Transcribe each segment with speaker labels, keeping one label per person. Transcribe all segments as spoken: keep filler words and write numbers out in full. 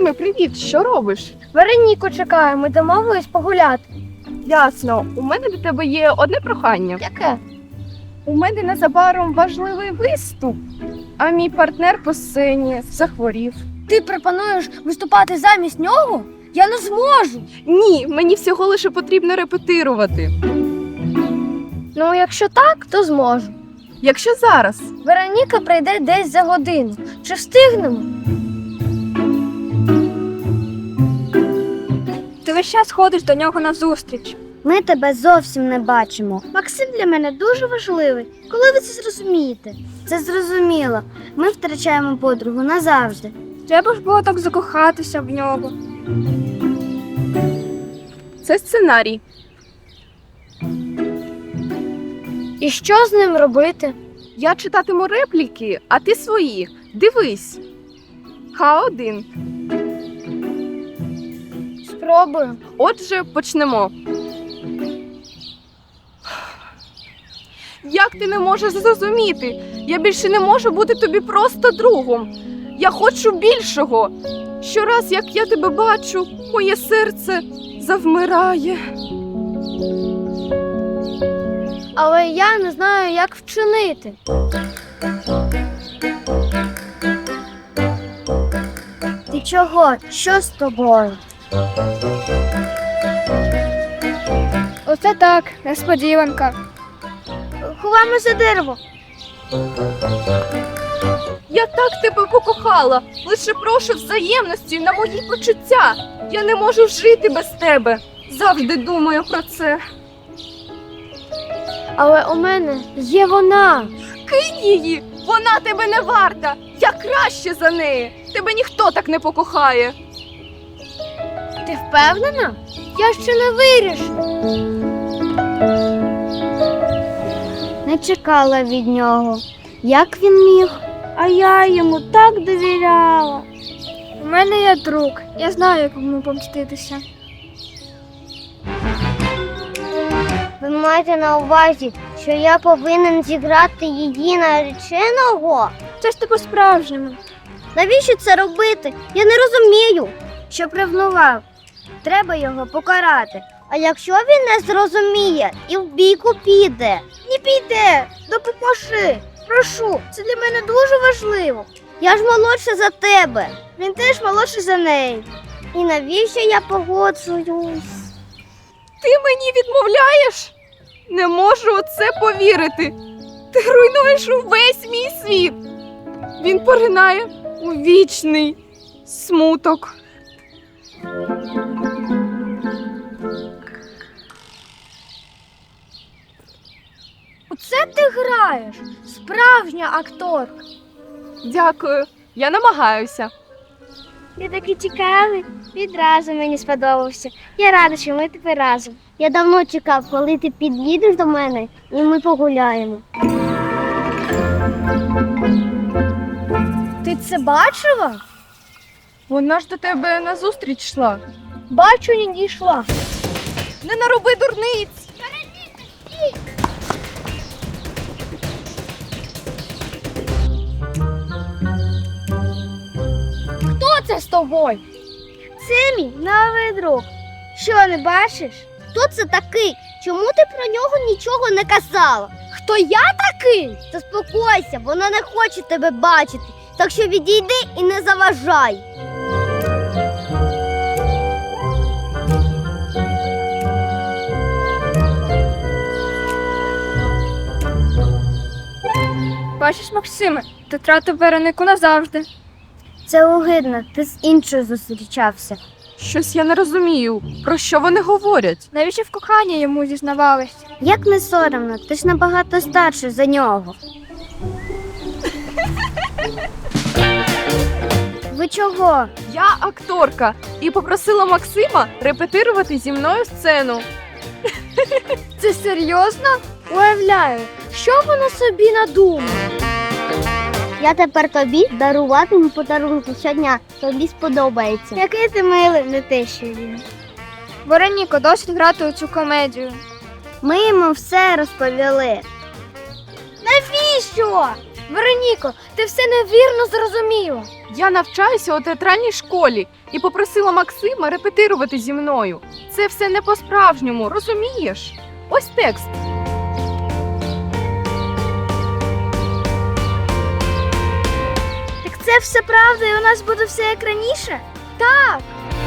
Speaker 1: Максиме, привіт! Що робиш?
Speaker 2: Вероніку чекаю, ми домовились погуляти.
Speaker 1: Ясно. У мене до тебе є одне прохання.
Speaker 2: Яке?
Speaker 1: У мене незабаром важливий виступ, а мій партнер по сцені захворів.
Speaker 2: Ти пропонуєш виступати замість нього? Я не зможу.
Speaker 1: Ні, мені всього лише потрібно репетирувати.
Speaker 2: Ну, якщо так, то зможу.
Speaker 1: Якщо зараз.
Speaker 2: Вероніка прийде десь за годину. Чи встигнемо? Ти весь час ходиш до нього назустріч.
Speaker 3: Ми тебе зовсім не бачимо. Максим для мене дуже важливий. Коли ви це зрозумієте? Це зрозуміло. Ми втрачаємо подругу назавжди.
Speaker 2: Треба ж було так закохатися в нього.
Speaker 1: Це сценарій.
Speaker 2: І що з ним робити?
Speaker 1: Я читатиму репліки, а ти свої. Дивись. Ха один.
Speaker 2: Спробую.
Speaker 1: Отже, почнемо. Як ти не можеш зрозуміти? Я більше не можу бути тобі просто другом. Я хочу більшого. Щораз, як я тебе бачу, моє серце завмирає.
Speaker 2: Але я не знаю, як вчинити.
Speaker 3: Ти чого? Що з тобою?
Speaker 2: Оце так, несподіванка.
Speaker 3: Ховаємо за дерево.
Speaker 1: Я так тебе покохала. Лише прошу взаємності на мої почуття. Я не можу жити без тебе. Завжди думаю про це.
Speaker 2: Але у мене є вона.
Speaker 1: Кинь її! Вона тебе не варта! Я краще за неї! Тебе ніхто так не покохає!
Speaker 2: Ти впевнена? Я ще не вирішила.
Speaker 3: Не чекала від нього. Як він міг? А я йому так довіряла.
Speaker 2: У мене є друг. Я знаю, як йому помститися.
Speaker 3: Ви маєте на увазі, що я повинен зіграти її нареченого?
Speaker 2: Це ж ти по-справжньому.
Speaker 3: Навіщо це робити? Я не розумію. Щоб ревнував. Треба його покарати. А якщо він не зрозуміє і в бійку піде? Не піде. Допоможи. Прошу, це для мене дуже важливо. Я ж молодша за тебе. Він теж молодший за неї. І навіщо я погоджуюсь?
Speaker 1: Ти мені відмовляєш? Не можу у це повірити. Ти руйнуєш увесь мій світ. Він поринає у вічний смуток.
Speaker 2: Оце ти граєш. Справжня акторка.
Speaker 1: Дякую, я намагаюся.
Speaker 3: Ти такий цікавий. Відразу мені сподобався. Я рада, що ми тепер разом. Я давно чекав, коли ти під'їдеш до мене і ми погуляємо.
Speaker 2: Ти це бачила?
Speaker 1: Вона ж до тебе назустріч йшла.
Speaker 2: Бачу, не дійшла.
Speaker 1: Не нароби дурниць!
Speaker 2: Хто це з тобою?
Speaker 3: Це мій новий друг. Що, не бачиш? Хто це такий? Чому ти про нього нічого не казала?
Speaker 2: Хто я такий?
Speaker 3: Заспокойся, вона не хоче тебе бачити. Так що відійди і не заважай.
Speaker 2: Бачиш, Максиме, ти втратив Веронику назавжди.
Speaker 3: Це огидно, ти з іншою зустрічався.
Speaker 1: Щось я не розумію, про що вони говорять.
Speaker 2: Навіщо в коханні йому зізнавались?
Speaker 3: Як не соромно, ти ж набагато старший за нього. Ви чого?
Speaker 1: Я акторка і попросила Максима репетирувати зі мною сцену.
Speaker 2: Це серйозно? Уявляю, що вона собі надумала.
Speaker 3: Я тепер тобі даруватиму подарунки щодня. Тобі сподобається. Який ти милий, не те, що він.
Speaker 2: Вероніко, досить грати у цю комедію.
Speaker 3: Ми йому все розповіли.
Speaker 2: Навіщо? Вероніко, ти все невірно зрозуміла.
Speaker 1: Я навчаюся у театральній школі і попросила Максима репетирувати зі мною. Це все не по-справжньому, розумієш? Ось текст.
Speaker 3: Так це все правда, і у нас буде все як раніше? Так.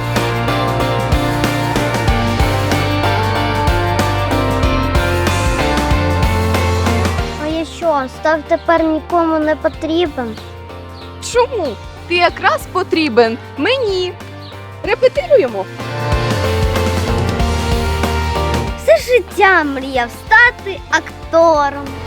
Speaker 3: А я що, став тепер нікому не потрібен?
Speaker 1: Чому? Ти якраз потрібен мені. Репетируємо.
Speaker 3: Все життя мріяв стати актором.